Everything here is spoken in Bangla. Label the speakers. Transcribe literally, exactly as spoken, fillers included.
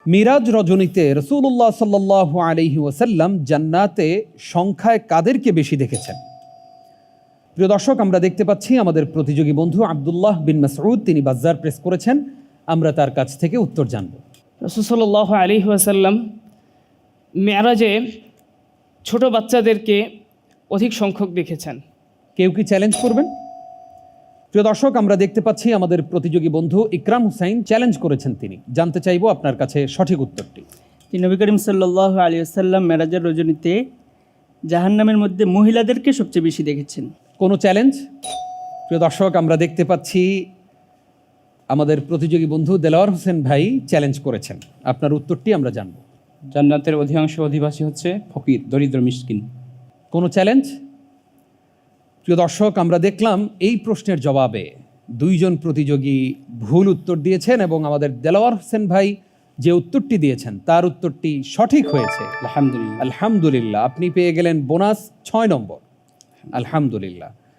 Speaker 1: মিরাজ রজনীতে রাসূলুল্লাহ সাল্লাল্লাহু আলাইহি ওয়াসাল্লাম জান্নাতে সংখ্যায় কাদেরকে বেশি দেখেছেন? প্রিয় দর্শক, আমরা দেখতে পাচ্ছি আমাদের প্রতিযোগী বন্ধু আব্দুল্লাহ বিন মাসউদ তিনি বাজ্জার প্রেস করেছেন। আমরা তার কাছ থেকে উত্তর জানব।
Speaker 2: রাসূল সাল্লাল্লাহু আলাইহি ওয়াসাল্লাম মেরাজে ছোট বাচ্চাদেরকে অধিক সংখ্যক দেখেছেন।
Speaker 1: কেউ কি চ্যালেঞ্জ করবেন? প্রিয় দর্শক, আমরা দেখতে পাচ্ছি আমাদের প্রতিযোগী বন্ধু ইকরাম হুসাইন চ্যালেঞ্জ করেছেন। তিনি জানতে চাইব আপনার কাছে সঠিক উত্তরটি।
Speaker 3: নবী করিম সাল্লাল্লাহু আলাইহি ওয়াসাল্লাম মেরাজের রজনীতে জাহান্নামের মধ্যে মহিলাদেরকে সবচেয়ে বেশি দেখেছেন।
Speaker 1: কোনো চ্যালেঞ্জ? প্রিয় দর্শক, আমরা দেখতে পাচ্ছি আমাদের প্রতিযোগী বন্ধু দেলাওয়ার হোসেন ভাই চ্যালেঞ্জ করেছেন। আপনার উত্তরটি আমরা জানব।
Speaker 4: জান্নাতের অধিকাংশ অধিবাসী হচ্ছে ফকির, দরিদ্র, মিসকিন।
Speaker 1: কোনো চ্যালেঞ্জ? প্রিয় দর্শক, আমরা দেখলাম এই প্রশ্নের জবাবে দুইজন প্রতিযোগী ভুল উত্তর দিয়েছেন এবং আমাদের দেলাওয়ার হোসেন ভাই যে উত্তরটি দিয়েছেন তার উত্তরটি সঠিক হয়েছে।
Speaker 4: আলহামদুলিল্লাহ।
Speaker 1: আলহামদুলিল্লাহ, আপনি পেয়ে গেলেন বোনাস ছয় নম্বর। আলহামদুলিল্লাহ।